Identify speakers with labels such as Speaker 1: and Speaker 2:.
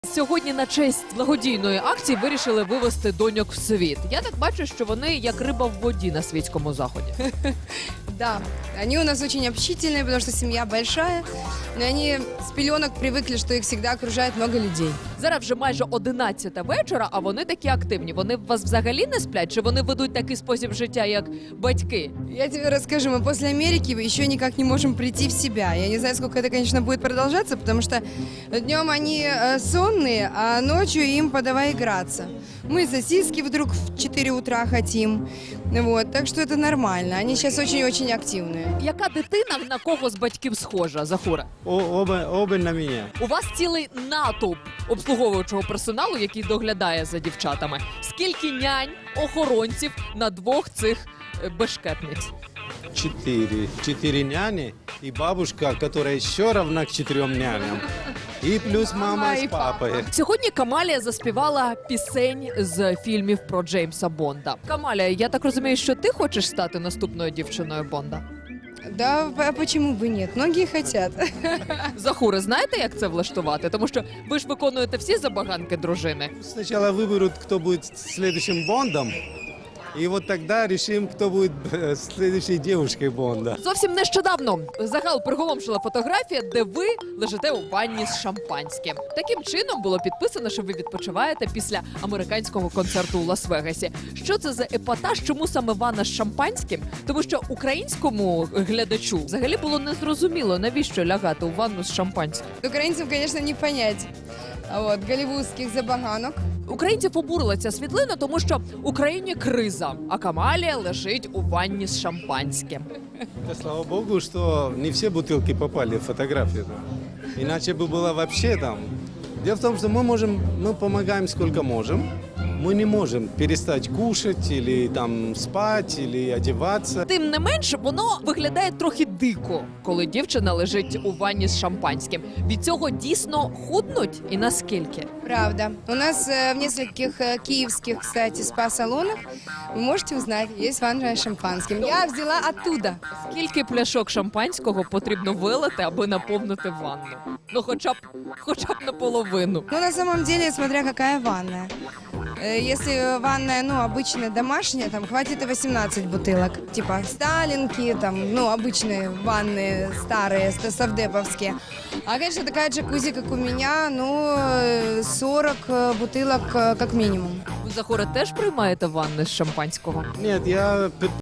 Speaker 1: Сьогодні на честь благодійної акції вирішили вивести доньок в світ. Я так бачу, що вони як риба в воді на світському заході.
Speaker 2: Да, они у нас очень общительные, потому что семья большая. Но они с пеленок привыкли, что их всегда окружает много людей.
Speaker 1: Зараз вже майже 11 вечора, а вони такі активні. Вони в вас взагалі не сплять? Чи вони ведуть такий спосіб життя, як батьки?
Speaker 2: Я тебе расскажу, мы после Америки еще никак не можем прийти в себя. Я не знаю, сколько это, конечно, будет продолжаться, потому что днем они сонные, а ночью им подавай играться. Мы сосиски вдруг в 4 утра хотим. Вот, так что это нормально. Они сейчас очень-очень активные.
Speaker 1: Яка дитина на кого з батьків схожа, Захура?
Speaker 3: Оба на меня.
Speaker 1: У вас цілий натовп обслуговуючого персоналу, який доглядає за дівчатами. Скільки нянь, охоронців на двох цих бешкетниць?
Speaker 3: 4 няни и бабушка, которая еще равна к 4 няням. И плюс мама с папой.
Speaker 1: Сьогодні Камалія заспівала пісень з фільмів про Джеймса Бонда. Камалія, я так розумію, що ти хочеш стати наступною дівчиною Бонда?
Speaker 2: Да, а почему бы нет? Многие хотят.
Speaker 1: Захури, знаєте, як це влаштувати? Тому що ви ж виконуєте всі забаганки дружини.
Speaker 3: Сначала выберут, кто будет следующим Бондом. И вот тогда решим, кто будет следующей девушкой Бонда.
Speaker 1: Зовсім нещодавно загал приголомшила фотографія, де ви лежите у ванні з шампанським. Таким чином було підписано, що ви відпочиваєте після американського концерту у Лас-Вегасі. Що це за епатаж? Чому саме ванна з шампанським? Тому що українському глядачу взагалі було незрозуміло, навіщо лягати у ванну з шампанським.
Speaker 2: Украинцам, конечно, не понять. Вот, голливудских забаганок.
Speaker 1: Українців обурила ця світлина, тому що в Україні криза, а Камалія лежить у ванні з шампанським.
Speaker 3: Да, слава богу, что не все бутылки попали в фотографию. Да. Иначе бы было вообще там. Дело в том, что мы помогаем сколько можем. Мы не можем перестать кушать или там спать, или одеваться.
Speaker 1: Тим не менш, воно виглядає трохи дико, коли дівчина лежить у ванні з шампанським. Від цього дійсно худнуть і наскільки?
Speaker 2: Правда. У нас в нескольких киевских, кстати, спа-салонах, вы можете узнать, есть ванна с шампанским. Я взяла оттуда.
Speaker 1: Скільки пляшок шампанського потрібно вилити, аби наповнити ванну? Ну, хоча б наполовину.
Speaker 2: Ну, на самом деле, смотря какая ванная. Если ванная, обычная домашняя, там хватит и 18 бутылок. Типа сталинки, там, обычные ванны старые, совдеповские. А, конечно, такая джакузи, как у меня, 40 бутылок как минимум.
Speaker 1: Ви, Захура, теж приймаєте ванни з шампанського?
Speaker 3: Нет, я